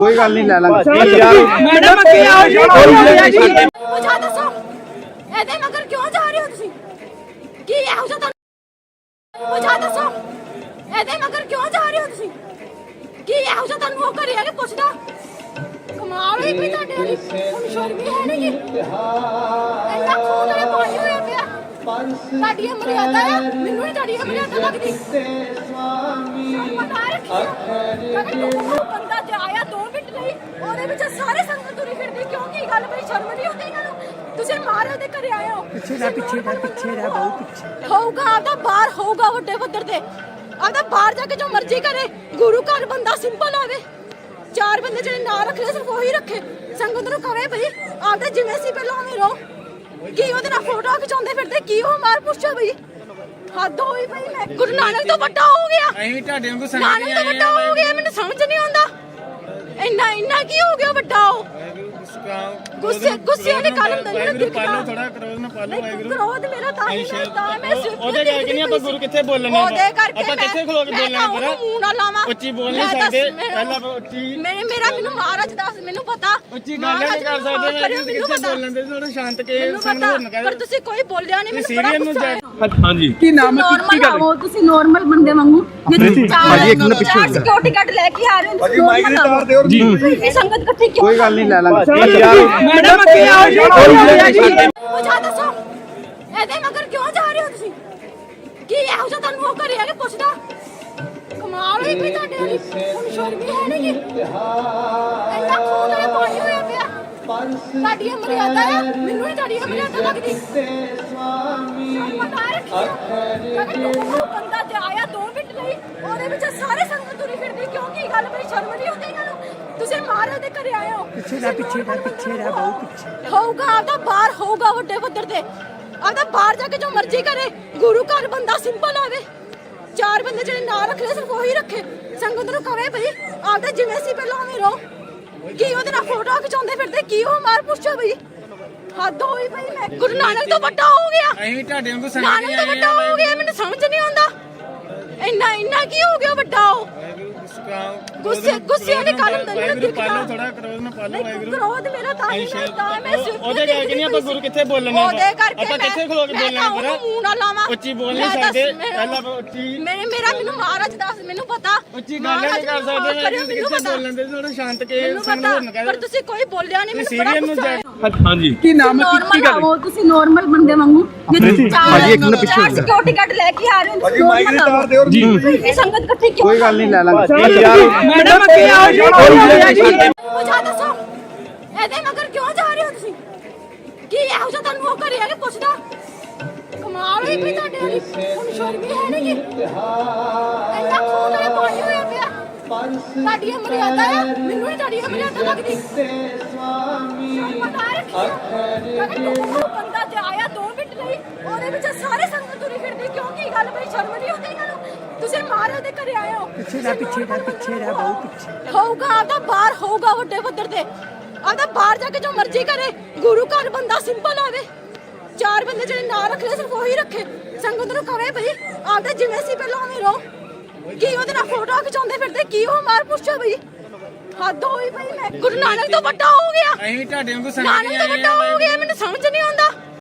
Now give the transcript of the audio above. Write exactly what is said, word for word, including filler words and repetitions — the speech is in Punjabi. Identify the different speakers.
Speaker 1: कोई गल नहीं लै लांगे
Speaker 2: मैडम ਅੱਗੇ ਆਓ ਜੀ
Speaker 3: ਪੁੱਛਾ ਦੱਸੋ ਇਹਦੇ ਮਗਰ ਕਿਉਂ ਜਾ ਰਹੇ ਹੋ ਤੁਸੀਂ ਕੀ ਇਹੋ ਜਿਹਾ ਤੁਹਾਨੂੰ ਪੁੱਛਾ ਦੱਸੋ ਇਹਦੇ ਮਗਰ ਕਿਉਂ ਜਾ ਰਹੇ ਹੋ ਤੁਸੀਂ ਕੀ ਇਹੋ ਜਿਹਾ ਤੁਹਾਨੂੰ ਉਹ ਕਰਿਆ ਕਿ ਪੁੱਛਦਾ ਕਮਾਲ ਹੋਈ ਪਈ ਤੁਹਾਡੇ ਵਾਲੀ ਹੁਣ ਸ਼ਰਮ ਵੀ ਹੈ ਨਹੀਂ ਇੰਨਾ ਖੂਨ ਵਾਲੇ ਪਾਣੀ ਹੋਇਆ ਪਿਆ ਤੁਹਾਡੀ ਇਹ ਮਰਿਆਦਾ ਆ ਮੈਨੂੰ ਨਹੀਂ ਤੁਹਾਡੀ ਇਹ ਮਰਿਆਦਾ ਲੱਗਦੀ ਪਤਾ ਰੱਖਿਆ ਅਗਰ ਤੂੰ ਬੰਦਾ ਤੇ ਆਇਆ ਦੋ ਮਿੰਟ ਲਈ ਉਹਦੇ ਵਿੱਚ ਸਾਰੇ ਸੰਗਤ ਤੁਰੀ ਫਿਰਦੀ ਕਿਉਂ ਕੀ ਗੱਲ ਬਈ ਸ਼ਰਮ ਨਹੀਂ ਆਉਂਦੀ ਇਹਨਾਂ ਨੂੰ ਤੁਸੀਂ ਮਾਰੇ ਦੇ ਘਰੇ ਆਏ ਹੋ
Speaker 2: ਪਿੱਛੇ ਦਾ ਪਿੱਛੇ ਦਾ ਪਿੱਛੇ ਦਾ ਬਹੁਤ ਪਿੱਛੇ
Speaker 3: ਹੋਊਗਾ ਆਦਾ ਬਾਹਰ ਹੋਊਗਾ ਵੱਡੇ ਪੱਧਰ ਤੇ ਆਦਾ ਬਾਹਰ ਜਾ ਕੇ ਜੋ ਮਰਜ਼ੀ ਕਰੇ ਗੁਰੂ ਘਰ ਬੰਦਾ ਸਿੰਪਲ ਆਵੇ ਚਾਰ ਬੰਦੇ ਜਿਹੜੇ ਨਾਂ ਰੱਖ ਲੈ ਸਿਰਫ ਉਹੀ ਰੱਖੇ ਸੰਗਤ ਨੂੰ ਕਵੇ ਬਈ ਆਪਦਾ ਜਿਵੇਂ ਸੀ ਪਹਿਲਾਂ ਉਵੇਂ ਰਹੋ ਕੀ ਉਹਦੇ ਨਾਲ ਫੋਟੋ ਖਿਚਾਉਂਦੇ ਫਿਰਦੇ ਕੀ ਉਹ ਮਾਰ ਪੁੱਛੋ ਬਈ ਹੱਦ ਹੋਈ ਬਈ ਮੈਂ ਗੁਰੂ ਨਾਨਕ ਤੋਂ ਵੱਡਾ ਹੋ ਗਿਆ
Speaker 4: ਅਸੀਂ ਤੁਹਾਡੇ ਵਾਂਗੂ ਸੰਗਤ
Speaker 3: ਨਾਨਕ ਤੋਂ ਵੱਡਾ ਹੋ ਗਿਆ ਮੈਨੂੰ ਸਮਝ ਨਹੀਂ ਆਉਂਦਾ ਇੰਨਾ ਇੰਨਾ ਕੀ ਹੋ ਗਿਆ ਵੱਡਾ ਉਹ ਗੁੱਸੇ ਗੁੱਸੇ ਵਾਲੀ ਗੱਲ ਹੁੰਦਾ ਨਹੀਂ
Speaker 4: ਵਾਹਿਗੁਰੂ ਪਾਲੋ ਥੋੜਾ ਕਰੋਧ ਨਾ ਪਾਲੋ ਵਾਹਿਗੁਰੂ
Speaker 3: ਕਰੋਧ ਮੇਰਾ ਤਾਂ ਹੀ ਨਾ ਤਾਂ ਮੈਂ
Speaker 4: ਉਹਦੇ ਕਰਕੇ ਨਹੀਂ ਆਪਾਂ ਗੁਰੂ ਕਿੱਥੇ ਬੋਲਣਾ
Speaker 3: ਉਹਦੇ ਕਰਕੇ
Speaker 4: ਆਪਾਂ ਕਿੱਥੇ ਖਲੋ ਕੇ ਬੋਲਣਾ ਪਰ
Speaker 3: ਮੂੰਹ ਨਾ ਲਾਵਾਂ
Speaker 4: ਉੱਚੀ ਬੋਲ ਨਹੀਂ ਸਕਦੇ ਪਹਿਲਾਂ ਉੱਚੀ
Speaker 3: ਮੇਰੇ ਮੇਰਾ ਮੈਨੂੰ ਮਹਾਰਾਜ ਦੱਸ ਮੈਨੂੰ ਪਤਾ
Speaker 4: ਉੱਚੀ ਗੱਲ ਨਹੀਂ ਕਰ ਸਕਦੇ ਮੈਂ ਕਿੱਥੇ ਬੋਲਣ ਦੇ ਥੋੜਾ ਸ਼ਾਂਤ ਕੇ ਸੰਗ ਹੋਣ ਕਰ
Speaker 3: ਪਰ ਤੁਸੀਂ ਕੋਈ ਬੋਲਿਆ ਨਹੀਂ ਮੈਨੂੰ ਬੜਾ ਗੁੱਸਾ ਆਇਆ
Speaker 2: ਹਾਂਜੀ ਕੀ ਨਾਮ ਹੈ ਕੀ ਗੱਲ
Speaker 3: ਆਓ ਤੁਸੀਂ ਨਾਰਮਲ ਬੰਦੇ ਵਾਂਗੂ
Speaker 1: ਭਾਜੀ ਇੱਕ ਮਿੰਟ ਪਿੱਛੇ
Speaker 3: ਸਿਕਿਉਰਿਟੀ ਗਾਰਡ ਲੈ ਕੇ ਆ ਰਹੇ ਹੋ ਤੁਸੀਂ ਮਾਈਕ ਤਾਰ ਦਿਓ ਜੀ ਇਹ ਸੰਗਤ ਇਕੱਠੀ ਕਿਉਂ
Speaker 1: कोई गल नहीं लै लांगे
Speaker 2: ਮੈਡਮ ਅੱਗੇ ਆਓ ਜੀ
Speaker 3: ਪੁੱਛਾ ਦੱਸੋ ਇਹਦੇ ਮਗਰ ਕਿਉਂ ਜਾ ਰਹੇ ਹੋ ਤੁਸੀਂ ਕੀ ਇਹੋ ਜਿਹਾ ਤੁਹਾਨੂੰ ਉਹ ਕਰਿਆ ਕਿ ਪੁੱਛਦਾ ਕਮਾਲ ਹੋਈ ਪਈ ਤੁਹਾਡੇ ਵਾਲੀ ਹੁਣ ਸ਼ਰਮ ਵੀ ਹੈ ਨਹੀਂ ਇੰਨਾ ਖੂਨ ਵਾਲੇ ਪਾਣੀ ਹੋਇਆ ਪਿਆ ਤੁਹਾਡੀ ਇਹ ਮਰਿਆਦਾ ਆ ਮੈਨੂੰ ਨਹੀਂ ਤੁਹਾਡੀ ਇਹ ਮਰਿਆਦਾ ਲੱਗਦੀ ਪਤਾ ਰੱਖਿਆ ਅਗਰ ਤੂੰ ਬੰਦਾ ਤੇ ਆਇਆ ਦੋ ਮਿੰਟ ਲਈ ਉਹਦੇ ਵਿੱਚ ਸਾਰੇ ਸੰਗਤ ਤੁਰੀ ਫਿਰਦੀ ਕਿਉਂ ਕੀ ਗੱਲ ਬਈ ਸ਼ਰਮ ਨਹੀਂ ਆਉਂਦੀ ਇਹਨਾਂ ਨੂੰ ਤੁਸੀਂ ਮਾਰੇ ਦੇ ਘਰੇ ਆਏ ਹੋ
Speaker 2: ਪਿੱਛੇ ਦਾ ਪਿੱਛੇ ਦਾ ਪਿੱਛੇ ਦਾ ਬਹੁਤ ਪਿੱਛੇ
Speaker 3: ਹੋਊਗਾ ਆਦਾ ਬਾਹਰ ਹੋਊਗਾ ਵੱਡੇ ਪੱਧਰ ਤੇ ਆਦਾ ਬਾਹਰ ਜਾ ਕੇ ਜੋ ਮਰਜ਼ੀ ਕਰੇ ਗੁਰੂ ਘਰ ਬੰਦਾ ਸਿੰਪਲ ਆਵੇ ਚਾਰ ਬੰਦੇ ਜਿਹੜੇ ਨਾਂ ਰੱਖ ਲੈ ਸਿਰਫ ਉਹੀ ਰੱਖੇ ਸੰਗਤ ਨੂੰ ਕਵੇ ਬਈ ਆਪਦਾ ਜਿਵੇਂ ਸੀ ਪਹਿਲਾਂ ਉਵੇਂ ਰਹੋ ਕੀ ਉਹਦੇ ਨਾਲ ਫੋਟੋ ਖਿਚਾਉਂਦੇ ਫਿਰਦੇ ਕੀ ਉਹ ਮਾਰ ਪੁੱਛੋ ਬਈ ਹੱਦ ਹੋਈ ਬਈ ਮੈਂ ਗੁਰੂ ਨਾਨਕ ਤੋਂ ਵੱਡਾ ਹੋ ਗਿਆ
Speaker 4: ਅਸੀਂ ਤੁਹਾਡੇ ਵਾਂਗੂ ਸੰਗਤ
Speaker 3: ਨਾਨਕ ਤੋਂ ਵੱਡਾ ਹੋ ਗਿਆ ਮੈਨੂੰ ਸਮਝ ਨਹੀਂ ਆਉਂਦਾ ਇੰਨਾ ਇੰਨਾ ਕੀ ਹੋ ਗਿਆ ਵੱਡਾ ਉਹ ਗੁੱਸੇ ਗੁੱਸੇ ਵਾਲੀ ਗੱਲ ਹੁੰਦਾ ਨਹੀਂ
Speaker 4: ਵਾਹਿਗੁਰੂ ਪਾਲੋ ਥੋੜਾ ਕਰੋਧ ਨਾ ਪਾਲੋ ਵਾਹਿਗੁਰੂ
Speaker 3: ਕਰੋਧ ਮੇਰਾ ਤਾਂ ਹੀ ਨਾ ਤਾਂ ਮੈਂ
Speaker 4: ਉਹਦੇ ਕਰਕੇ ਨਹੀਂ ਆਪਾਂ ਗੁਰੂ ਕਿੱਥੇ ਬੋਲਣਾ
Speaker 3: ਉਹਦੇ ਕਰਕੇ
Speaker 4: ਆਪਾਂ ਕਿੱਥੇ ਖਲੋ ਕੇ ਬੋਲਣਾ ਪਰ
Speaker 3: ਮੂੰਹ ਨਾ ਲਾਵਾਂ
Speaker 4: ਉੱਚੀ ਬੋਲ ਨਹੀਂ ਸਕਦੇ ਪਹਿਲਾਂ ਉੱਚੀ
Speaker 3: ਮੇਰੇ ਮੇਰਾ ਮੈਨੂੰ ਮਹਾਰਾਜ ਦੱਸ ਮੈਨੂੰ ਪਤਾ
Speaker 4: ਉੱਚੀ ਗੱਲ ਨਹੀਂ ਕਰ ਸਕਦੇ ਮੈਂ ਕਿੱਥੇ ਬੋਲਣ ਦੇ ਥੋੜਾ ਸ਼ਾਂਤ ਕੇ ਸੰਗ ਹੋਣ ਕਰ
Speaker 3: ਪਰ ਤੁਸੀਂ ਕੋਈ ਬੋਲਿਆ ਨਹੀਂ ਮੈਨੂੰ ਬੜਾ
Speaker 4: ਸੀਰੀਅਸ ਨੂੰ
Speaker 3: ਗੁੱਸਾ
Speaker 4: ਜਾ
Speaker 2: ਹਾਂਜੀ ਕੀ ਨਾਮ ਹੈ ਕੀ ਗੱਲ
Speaker 3: ਆਓ ਤੁਸੀਂ ਨਾਰਮਲ ਬੰਦੇ ਵਾਂਗੂ
Speaker 1: ਭਾਜੀ ਇੱਕ ਮਿੰਟ ਪਿੱਛੇ
Speaker 3: ਸਿਕਿਉਰਿਟੀ ਗਾਰਡ ਲੈ ਕੇ ਆ ਰਹੇ ਹੋ ਤੁਸੀਂ ਮਾਈਕ ਤਾਰ ਦਿਓ
Speaker 1: ਜੀ
Speaker 3: ਇਹ ਸੰਗਤ ਇਕੱਠੀ ਕਿਉਂ
Speaker 1: कोई गल नहीं लै लांगे
Speaker 2: ਮੈਡਮ ਅੱਗੇ ਆਓ ਜੀ
Speaker 3: ਪੁੱਛਾ ਦੱਸੋ ਇਹਦੇ ਮਗਰ ਕਿਉਂ ਜਾ ਰਹੇ ਹੋ ਤੁਸੀਂ ਕੀ ਇਹੋ ਜਿਹਾ ਤੁਹਾਨੂੰ ਉਹ ਕਰਿਆ ਕਿ ਪੁੱਛਦਾ ਕਮਾਲ ਹੋਈ ਪਈ ਤੁਹਾਡੇ ਵਾਲੀ ਹੁਣ ਸ਼ਰਮ ਵੀ ਹੈ ਨਹੀਂ ਇੰਨਾ ਖੂਨ ਵਾਲੇ ਪਾਣੀ ਹੋਇਆ ਪਿਆ ਤੁਹਾਡੀ ਇਹ ਮਰਿਆਦਾ ਆ ਮੈਨੂੰ ਨਹੀਂ ਤੁਹਾਡੀ ਇਹ ਮਰਿਆਦਾ ਲੱਗਦੀ ਪਤਾ ਰੱਖਿਆ ਅਗਰ ਤੂੰ ਬੰਦਾ ਤੇ ਆਇਆ ਦੋ ਮਿੰਟ ਲਈ ਉਹਦੇ ਵਿੱਚ ਸਾਰੇ ਸੰਗਤ ਤੁਰੀ ਫਿਰਦੀ ਕਿਉਂ ਕੀ ਗੱਲ ਬਈ ਸ਼ਰਮ ਨਹੀਂ ਆਉਂਦੀ ਇਹਨਾਂ ਨੂੰ ਤੁਸੀਂ ਮਾਰੇ ਦੇ ਘਰੇ ਆਏ ਹੋ
Speaker 2: ਪਿੱਛੇ ਦਾ ਪਿੱਛੇ ਦਾ ਪਿੱਛੇ ਦਾ ਬਹੁਤ ਪਿੱਛੇ
Speaker 3: ਹੋਊਗਾ ਆਦਾ ਬਾਹਰ ਹੋਊਗਾ ਵੱਡੇ ਪੱਧਰ ਤੇ ਆਦਾ ਬਾਹਰ ਜਾ ਕੇ ਜੋ ਮਰਜ਼ੀ ਕਰੇ ਗੁਰੂ ਘਰ ਬੰਦਾ ਸਿੰਪਲ ਆਵੇ ਚਾਰ ਬੰਦੇ ਜਿਹੜੇ ਨਾਂ ਰੱਖ ਲੈ ਸਿਰਫ ਉਹੀ ਰੱਖੇ ਸੰਗਤ ਨੂੰ ਕਵੇ ਬਈ ਆਪਦਾ ਜਿਵੇਂ ਸੀ ਪਹਿਲਾਂ ਉਵੇਂ ਰਹੋ ਕੀ ਉਹਦੇ ਨਾਲ ਫੋਟੋ ਖਿਚਾਉਂਦੇ ਫਿਰਦੇ ਕੀ ਉਹ ਮਾਰ ਪੁੱਛੋ ਬਈ ਹੱਦ ਹੋਈ ਬਈ ਮੈਂ ਗੁਰੂ ਨਾਨਕ ਤੋਂ ਵੱਡਾ ਹੋ ਗਿਆ
Speaker 4: ਅਸੀਂ ਤੁਹਾਡੇ ਵਾਂਗੂ ਸੰਗਤ
Speaker 3: ਨਾਨਕ ਤੋਂ ਵੱਡਾ ਹੋ ਗਿਆ ਮੈਨੂੰ ਸਮਝ ਨਹੀਂ ਆਉਂਦਾ